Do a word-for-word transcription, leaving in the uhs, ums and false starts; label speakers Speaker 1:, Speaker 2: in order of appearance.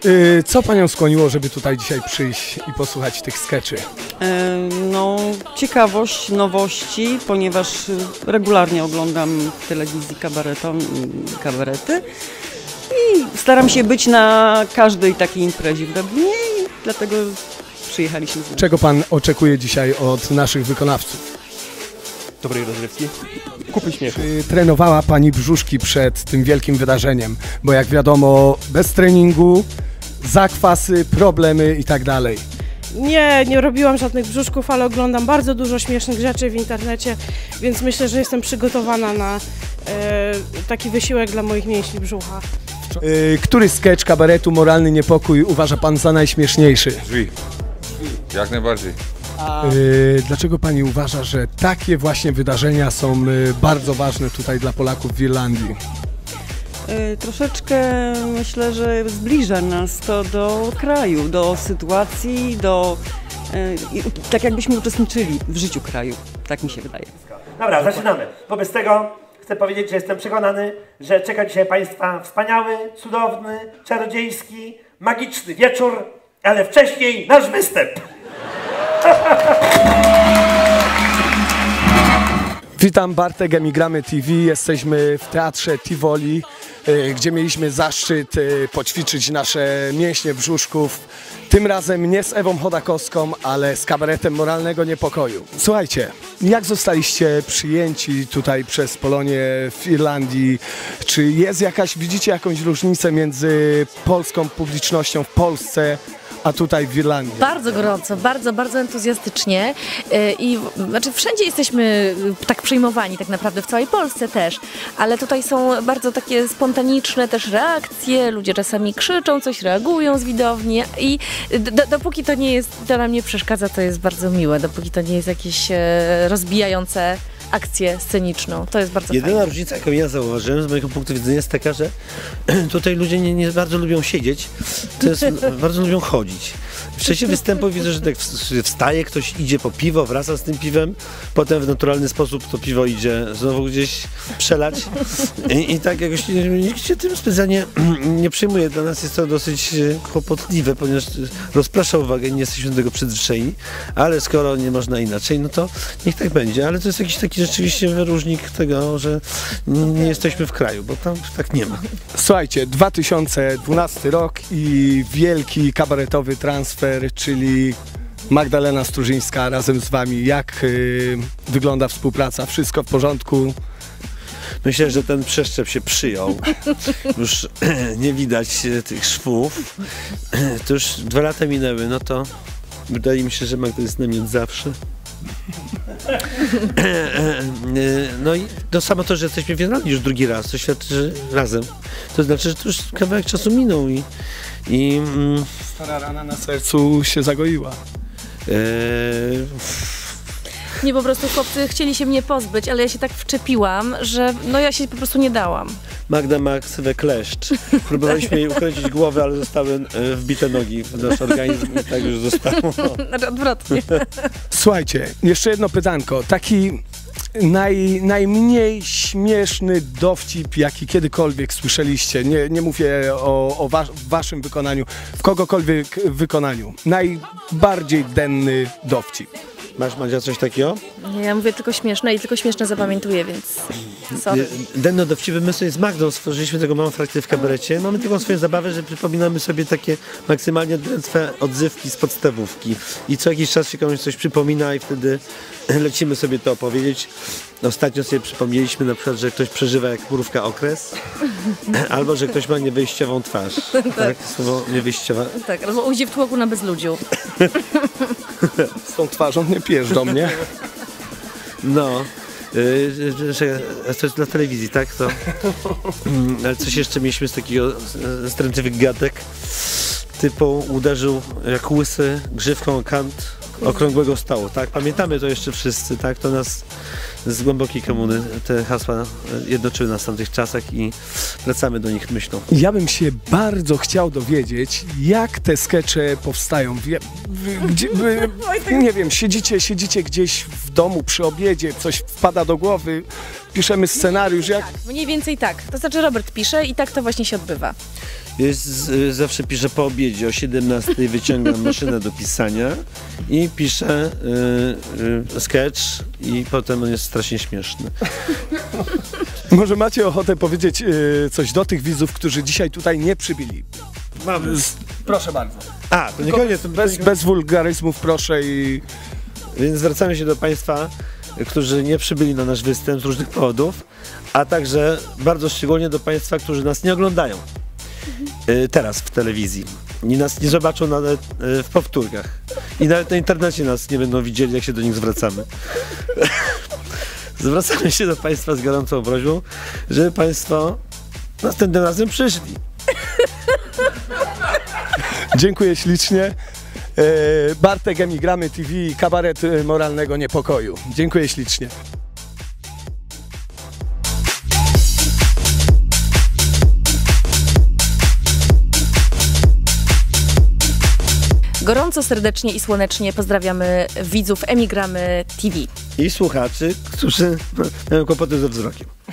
Speaker 1: Yy, co panią skłoniło, żeby tutaj dzisiaj przyjść i posłuchać tych skeczy?
Speaker 2: No, ciekawość, nowości, ponieważ regularnie oglądam w telewizji kabareton, kabarety i staram się być na każdej takiej imprezie w Dublinie i dlatego przyjechaliśmy z nami.
Speaker 1: Czego pan oczekuje dzisiaj od naszych wykonawców?
Speaker 3: Dobrej rozrywki, kupy śmiechu.
Speaker 1: Czy trenowała pani brzuszki przed tym wielkim wydarzeniem? Bo jak wiadomo, bez treningu, zakwasy, problemy i tak dalej.
Speaker 4: Nie, nie robiłam żadnych brzuszków, ale oglądam bardzo dużo śmiesznych rzeczy w internecie, więc myślę, że jestem przygotowana na e, taki wysiłek dla moich mięśni brzucha.
Speaker 1: Yy, który sketch kabaretu Moralny Niepokój uważa pan za najśmieszniejszy?
Speaker 5: Drzwi. Jak najbardziej.
Speaker 1: Yy, dlaczego pani uważa, że takie właśnie wydarzenia są yy, bardzo ważne tutaj dla Polaków w Irlandii?
Speaker 2: Yy, troszeczkę myślę, że zbliża nas to do kraju, do sytuacji, do yy, tak jakbyśmy uczestniczyli w życiu kraju. Tak mi się wydaje.
Speaker 6: Dobra, zaczynamy. Wobec tego chcę powiedzieć, że jestem przekonany, że czeka dzisiaj Państwa wspaniały, cudowny, czarodziejski, magiczny wieczór, ale wcześniej nasz występ.
Speaker 1: Witam, Bartek, Emigramy T V. Jesteśmy w Teatrze Tivoli, gdzie mieliśmy zaszczyt poćwiczyć nasze mięśnie brzuszków. Tym razem nie z Ewą Chodakowską, ale z kabaretem Moralnego Niepokoju. Słuchajcie, jak zostaliście przyjęci tutaj przez Polonię w Irlandii? Czy jest jakaś, widzicie jakąś różnicę między polską publicznością w Polsce a tutaj w Irlandii?
Speaker 7: Bardzo gorąco, bardzo, bardzo entuzjastycznie i znaczy wszędzie jesteśmy tak przyjmowani tak naprawdę, w całej Polsce też, ale tutaj są bardzo takie spontaniczne też reakcje, ludzie czasami krzyczą, coś reagują z widowni i do, dopóki to nie jest, to nam nie przeszkadza, to jest bardzo miłe, dopóki to nie jest jakieś rozbijające akcję sceniczną. To jest bardzo
Speaker 8: Jedyna
Speaker 7: fajne.
Speaker 8: różnica, jaką ja zauważyłem z mojego punktu widzenia jest taka, że tutaj ludzie nie, nie bardzo lubią siedzieć, to jest, bardzo lubią chodzić. W czasie występu widzę, że tak wstaje, ktoś idzie po piwo, wraca z tym piwem, potem w naturalny sposób to piwo idzie znowu gdzieś przelać i, i tak jakoś nikt się tym specjalnie nie przyjmuje. Dla nas jest to dosyć kłopotliwe, ponieważ rozprasza uwagę i nie jesteśmy do tego przyzwyczajeni, ale skoro nie można inaczej, no to niech tak będzie, ale to jest jakiś taki rzeczywiście wyróżnik tego, że nie jesteśmy w kraju, bo tam tak nie ma.
Speaker 1: Słuchajcie, dwa tysiące dwunasty rok i wielki kabaretowy transfer, czyli Magdalena Strużyńska razem z wami. Jak yy, wygląda współpraca? Wszystko w porządku?
Speaker 8: Myślę, że ten przeszczep się przyjął. Już nie widać tych szwów. To już dwa lata minęły, no to wydaje mi się, że Magda jest z nami od zawsze. No i to samo to, że jesteśmy w Irlandii już drugi raz, to świadczy, że razem. To znaczy, że to już kawałek czasu minął i... i mm,
Speaker 1: Stara rana na sercu się zagoiła.
Speaker 8: Eee...
Speaker 7: Nie, po prostu chłopcy chcieli się mnie pozbyć, ale ja się tak wczepiłam, że no ja się po prostu nie dałam.
Speaker 8: Magda ma ksywę kleszcz. Próbowaliśmy jej ukręcić głowę, ale zostały e, wbite nogi w nasz organizm i tak już zostało.
Speaker 7: Znaczy odwrotnie.
Speaker 1: Słuchajcie, jeszcze jedno pytanko. Taki naj, najmniej śmieszny dowcip, jaki kiedykolwiek słyszeliście. Nie, nie mówię o, o was, waszym wykonaniu, w kogokolwiek wykonaniu. Najbardziej denny dowcip.
Speaker 8: Masz, Madzia, coś takiego?
Speaker 7: Nie, ja mówię tylko śmieszne i tylko śmieszne zapamiętuję, więc sorry.
Speaker 8: Denno dowcipy, my sobie z Magdą stworzyliśmy tego małą frakcję w kabarecie. Mamy taką swoją zabawę, że przypominamy sobie takie maksymalnie drętwe odzywki z podstawówki. I co jakiś czas się komuś coś przypomina i wtedy lecimy sobie to opowiedzieć. Ostatnio sobie przypomnieliśmy na przykład, że ktoś przeżywa jak mrówka okres, albo że ktoś ma niewyjściową twarz. Tak, słowo niewyjściowa.
Speaker 7: Tak, albo ujdzie w tłoku na bezludziu.
Speaker 1: Z tą twarzą nie pijesz do mnie.
Speaker 8: No, yy, że, to jest dla telewizji, tak? To, yy, ale coś jeszcze mieliśmy z takiego strętliwych gadek. Typu uderzył jak łysy grzywką o kant okrągłego stołu, tak? Pamiętamy to jeszcze wszyscy, tak? To nas z głębokiej komuny, te hasła jednoczyły nas w tamtych czasach i wracamy do nich myślą.
Speaker 1: Ja bym się bardzo chciał dowiedzieć, jak te skecze powstają. Wie, wy, gdzie, wy, nie wiem, siedzicie, siedzicie gdzieś w domu przy obiedzie, coś wpada do głowy, piszemy scenariusz, jak...
Speaker 7: Tak, mniej więcej tak. To znaczy Robert pisze i tak to właśnie się odbywa.
Speaker 8: Jest, z, zawsze piszę po obiedzie, o siedemnastej wyciągam maszynę do pisania i piszę y, y, sketch i potem on jest strasznie śmieszny.
Speaker 1: Może macie ochotę powiedzieć y, coś do tych widzów, którzy dzisiaj tutaj nie przybyli?
Speaker 8: Mamy.
Speaker 1: Proszę bardzo.
Speaker 8: A, to nie koniec. To
Speaker 1: Bez, bez wulgaryzmów proszę i...
Speaker 8: Więc zwracamy się do Państwa, którzy nie przybyli na nasz występ z różnych powodów, a także bardzo szczególnie do Państwa, którzy nas nie oglądają y, teraz w telewizji. I nas nie zobaczą nawet y, w powtórkach. I nawet na internecie nas nie będą widzieli, jak się do nich zwracamy. Zwracamy się do Państwa z gorącą prośbą, żeby Państwo następnym razem przyszli.
Speaker 1: Dziękuję ślicznie. Bartek, Emigramy T V, kabaret moralnego niepokoju. Dziękuję ślicznie.
Speaker 7: Gorąco, serdecznie i słonecznie pozdrawiamy widzów Emigramy T V.
Speaker 8: I słuchaczy, którzy mają kłopoty ze wzrokiem.